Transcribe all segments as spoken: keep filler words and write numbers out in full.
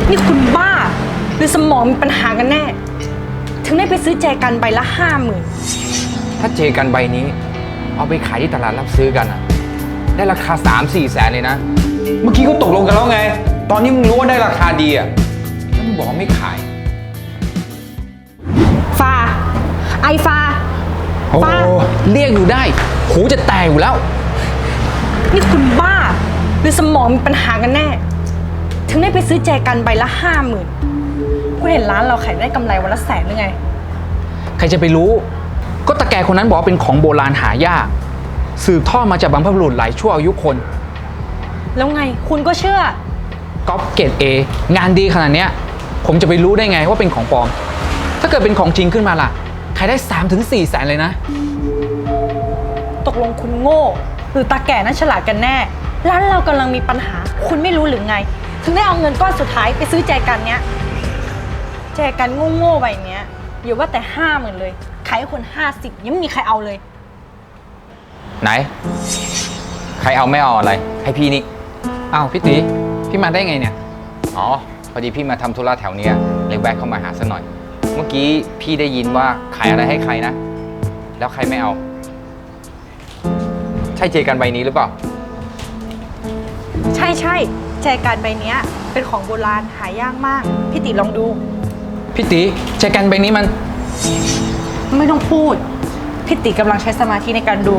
นี่คุณบ้าหรือสมองมีปัญหากันแน่ถึงได้ไปซื้อแจกันใบละห้าหมื่นถ้าเจกันใบนี้เอาไปขายที่ตลาดรับซื้อกันอะได้ราคา สามสี่ แสนเลยนะเมื่อกี้ก็ตกลงกันแล้วไงตอนนี้มึงรู้ว่าได้ราคาดีอะแล้วมึงบอกไม่ขายฟาไอฟาโอ้เรียกอยู่ได้หูจะแตกอยู่แล้วนี่คุณบ้าหรือสมองมีปัญหากันแน่ถึงได้ไปซื้อแจกันใบละห้าหมื่นคุณเห็นร้านเราขายได้กำไรวันละแสนหรือไงใครจะไปรู้ก็ตาแกคนนั้นบอกว่าเป็นของโบราณหายากสืบทอดมาจากบรรพบุรุษหลายชั่วอายุคนแล้วไงคุณก็เชื่อก๊อปเกรดเองานดีขนาดเนี้ยผมจะไปรู้ได้ไงว่าเป็นของปลอมถ้าเกิดเป็นของจริงขึ้นมาล่ะขายได้ สามถึงสี่ แสนเลยนะตกลงคุณโง่หรือตาแก่นั้นฉลาดกันแน่ร้านเรากำลังมีปัญหาคุณไม่รู้หรือไงถึงได้เอาเงินก้อนสุดท้ายไปซื้อแจกันเนี้ยแจกันโง่ๆใบเนี้ยอย่าว่าแต่ห้าหมื่นเลยขายให้คนห้าสิบยังไม่มีใครเอาเลยไหนใครเอาไม่เอาอะไรให้พี่นี่อ้าวพี่ตีพี่มาได้ไงเนี่ยอ๋อพอดีพี่มาทำธุระแถวเนี้ยเลยแวะเข้ามาหาซะหน่อยเมื่อกี้พี่ได้ยินว่าขายอะไรให้ใครนะแล้วใครไม่เอาใช่เจกันใบนี้หรือเปล่าใช่ใช่แจกันใบนี้เป็นของโบราณหายากมากพี่ติลองดูพี่ตีแจกันใบนี้มันไม่ต้องพูดพี่ติกำลังใช้สมาธิในการดู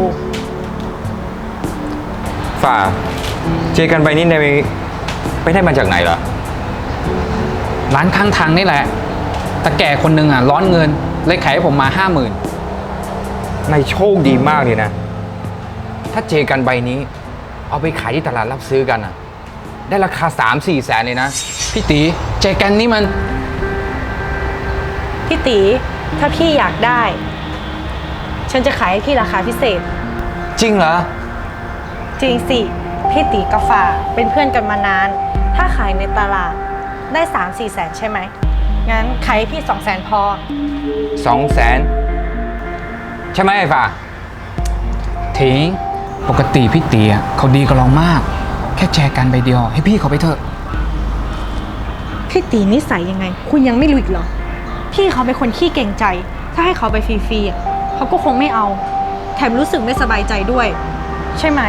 ฝ่าเจกันใบนี้ในไปได้มาจากไหนเหรอร้านข้างทางนี่แหละแต่แก่คนหนึ่งอ่ะร้อนเงินเลยขายให้ผมมาห้าหมื่นในโชคดีมากเลยนะถ้าเจกันใบนี้เอาไปขายที่ตลาดรับซื้อกันอ่ะได้ราคา สามสี่ แสนเลยนะพี่ตีเจกันนี้มันพี่ตีถ้าพี่อยากได้ฉันจะขายให้พี่ราคาพิเศษจริงเหรอจริงสิพี่ตีกับฝ่าเป็นเพื่อนกันมานานถ้าขายในตลาดได้ สามสี่ แสนใช่ไหมงั้นขายให้พี่ สองแสนพอสอง แสนใช่ไหมไอ้ฝ่าทิ้งปกติพี่ตีเขาดีกับเรามากแค่แจกันใบเดียวให้พี่เขาไปเถอะพี่ตีนิสัยยังไงคุณยังไม่รู้อีกเหรอพี่เขาเป็นคนขี้เก่งใจถ้าให้เขาไปฟรีๆเขาก็คงไม่เอาแถมรู้สึกไม่สบายใจด้วยใช่ไหม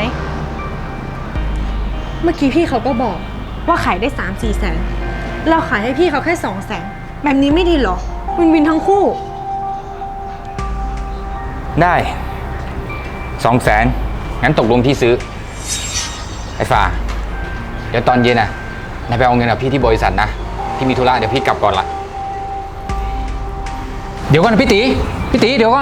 เมื่อกี้พี่เขาก็บอกว่าขายได้ สามสี่ แสนเราขายให้พี่เขาแค่ สอง แสนแบบนี้ไม่ดีหรอวินวินทั้งคู่ได้ สอง แสนงั้นตกลงที่ซื้อไอ้ฟ้าเดี๋ยวตอนเย็นน่ะนายไปเอาเงินกับพี่ที่บริษัทนะพี่มีธุระเดี๋ยวพี่กลับก่อนละเดี๋ยวก่อนพี่ตีพี่ตีเดี๋ยวก่อน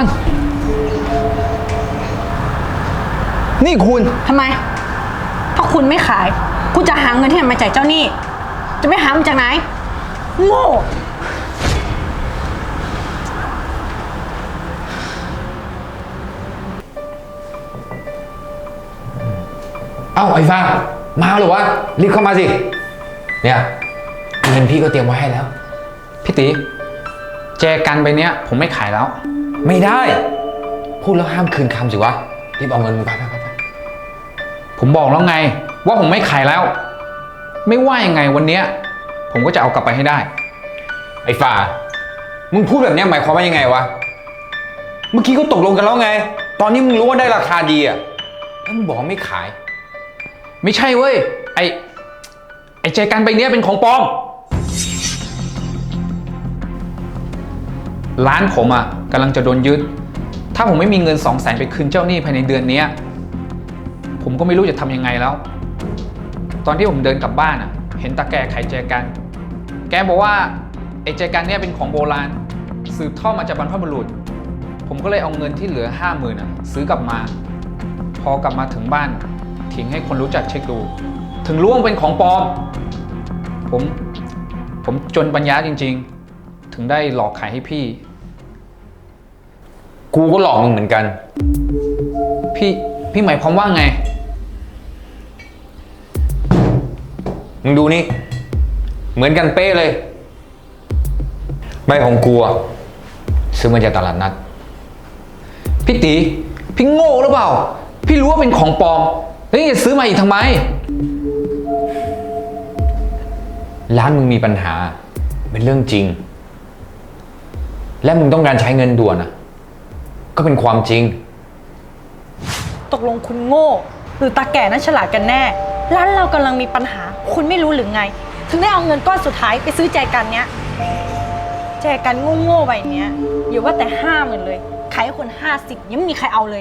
นี่คุณทำไมถ้าคุณไม่ขายคุณจะหาเงินที่ไหนมาจ่ายเจ้าหนี้จะไม่หามาจากไหนโง่เอ้าไอ้ฟ้ามาหรือวะรีบเข้ามาสิเนี่ยเงินพี่ก็เตรียมไว้ให้แล้วพี่ตีแจกันไปเนี้ยผมไม่ขายแล้วไม่ได้พูดแล้วห้ามคืนคำสิวะรีบเอาเงินไปไปไปไปผมบอกแล้วไงว่าผมไม่ขายแล้วไม่ว่ายังไงวันเนี้ยผมก็จะเอากลับไปให้ได้ไอ้ฝ่ามึงพูดแบบนี้หมายความว่ายังไงวะเมื่อกี้ก็ตกลงกันแล้วไงตอนนี้มึงรู้ว่าได้ราคาดีอ่ะแล้วมึงบอกไม่ขายไม่ใช่เว้ยไอ้ไอ้แจกันใบเนี้ยเป็นของปลอมร้านผมอ่ะกำลังจะโดนยึดถ้าผมไม่มีเงินสองแสนไปคืนเจ้าหนี้ภายในเดือนนี้ผมก็ไม่รู้จะทำยังไงแล้วตอนที่ผมเดินกลับบ้านอ่ะเห็นตาแกขายแจกันแกบอกว่าไอ้แจกันเนี่ยเป็นของโบราณสืบทอดมาจากบรรพบุรุษผมก็เลยเอาเงินที่เหลือห้าหมื่นอ่ะซื้อกลับมาพอกลับมาถึงบ้านทิ้งให้คนรู้จักเช็คดูถึงรู้ว่าเป็นของปลอมผมผมจนปัญญาจริงๆถึงได้หลอกขายให้พี่กูก็หลอกมึงเหมือนกันพี่พี่หมายความว่าไงมึงดูนี่เหมือนกันเป๊ะเลยใบของกูอะซื้อมาจากตลาดนัดพี่ตีพี่โง่หรือเปล่าพี่รู้ว่าเป็นของปลอมแล้วยังจะซื้อมาอีกทำไมร้านมึงมีปัญหาเป็นเรื่องจริง และมึงต้องการใช้เงินด่วนอ่ะ ก็เป็นความจริงตกลงคุณโง่หรือตาแก่นั้นฉลาดกันแน่ ร้านเรากำลังมีปัญหา คุณไม่รู้หรือไง ถึงได้เอาเงินก้อนสุดท้ายไปซื้อแจกันเนี้ย แจกันโง่ๆใบเนี้ยอย่าว่าแต่ห้าหมื่นเลย ขายให้คนห้าสิบยังไม่มีใครเอาเลย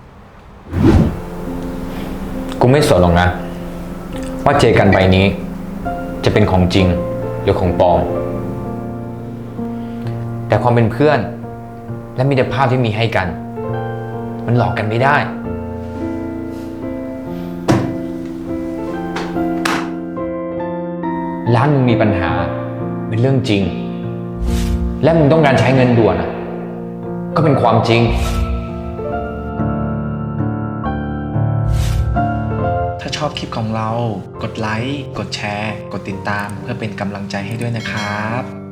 กูไม่สนหรอกนะ ว่าเจกันใบนี้ จะเป็นของจริงหรือของปลอม แต่ความเป็นเพื่อน และมิตรภาพที่มีให้กัน มันหลอกกันไม่ได้ ร้านมึงมีปัญหาเป็นเรื่องจริง และมึงต้องการใช้เงินด่วนอ่ะ ก็เป็นความจริงถ้าชอบคลิปของเรา กดไลค์ กดแชร์ กดติดตามเพื่อเป็นกำลังใจให้ด้วยนะครับ